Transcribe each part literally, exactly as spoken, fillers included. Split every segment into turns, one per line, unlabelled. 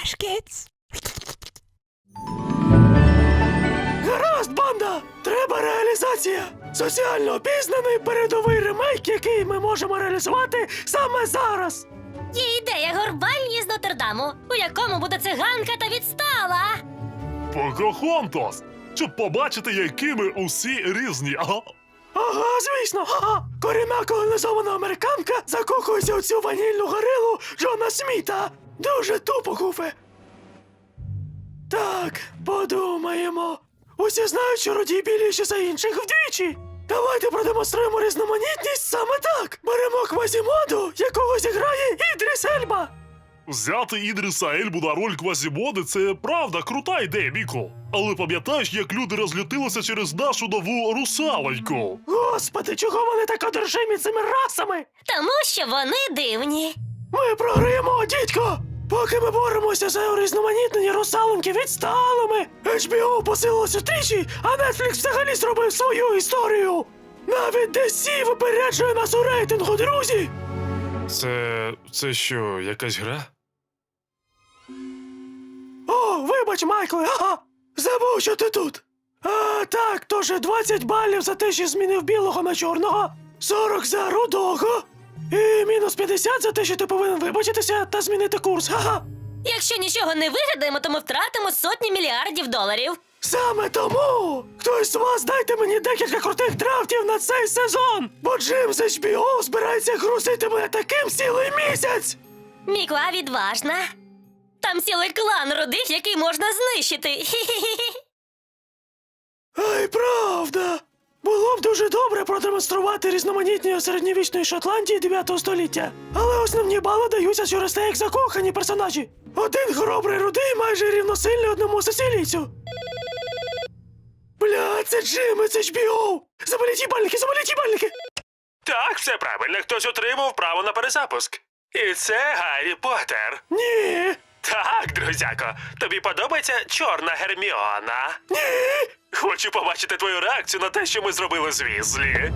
Fresh Kids.
Гаразд, банда! Треба реалізація! Соціально обізнаний передовий ремейк, який ми можемо реалізувати саме зараз!
Є ідея горбальні з Нотр-Даму, у якому буде циганка та відстала.
Покахонтас! Щоб побачити, якими усі різні. Ага.
Ага, звісно, ага! Корінна колонізована американка закохується у цю ванільну горилу Джона Сміта! Дуже тупо, Гуфе! Так, подумаємо. Усі знають, що родій біліші за інших вдвічі. Давайте продемонструємо різноманітність саме так. Беремо Квазімоду, якого зіграє Ідріс Ельба.
Взяти Ідріса Ельбу на роль Квазімоди – це правда крута ідея, Міко. Але пам'ятаєш, як люди розлютилися через нашу нову русалоньку?
Господи, чого вони так одержимі цими расами?
Тому що вони дивні.
Ми програємо, дідько! Поки ми боремося за урізноманітнені русалоньки відсталими, ейч бі о посилилося тричі, а Netflix взагалі зробив свою історію. Навіть ді сі випереджує нас у рейтингу, друзі!
Це... це що, якась гра?
О, вибач, Майкле, ага! Забув, що ти тут. А, так, тож двадцять балів за те, що змінив білого на чорного, сорок за рудого, і мінус п'ятдесят за те, що ти повинен вибачитися та змінити курс, ага!
Якщо нічого не вигадаємо, то ми втратимо сотні мільярдів доларів.
Саме тому! Хтось з вас дайте мені декілька крутих драфтів на цей сезон! Бо Джим з ейч бі о збирається грузити мене таким цілий місяць!
Мікла відважна. Там цілий клан рудих, який можна знищити. Хі-хі-хі.
Ай, правда! Було б дуже добре продемонструвати різноманітні середньовічної Шотландії дев'ятого століття. Але основні бали даються через те, як закохані персонажі. Один хоробрий рудий майже рівносильний одному сицилійцю. Бля, це Джим із ейч бі о! Заболіть їбальники, заболіть їбальники!
Так, все правильно. Хтось отримав право на перезапуск. І це Гаррі Поттер.
Ні!
Так, друзяко, тобі подобається чорна Герміона?
Ні!
Хочу побачити твою реакцію на те, що ми зробили з Візлі.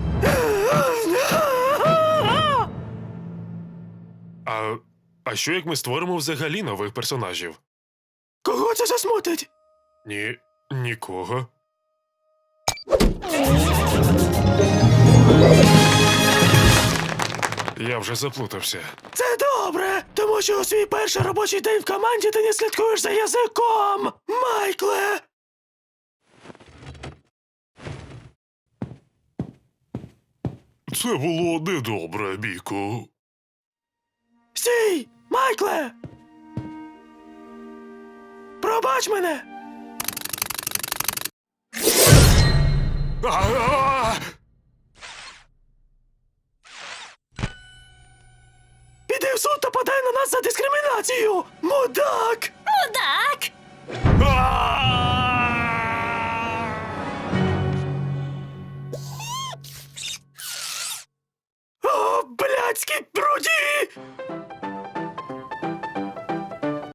А... а що як ми створимо взагалі нових персонажів?
Кого це засмутить?
Ні... нікого. Я вже заплутався.
Це добре, тому що у свій перший робочий день в команді ти не слідкуєш за язиком, Майкле!
Це було недобре, Міко.
Стій! Майкле! Пробач мене!
А-а-а!
Піди в суд та подай на нас за дискримінацію! Мудак!
Мудак!
О, блядський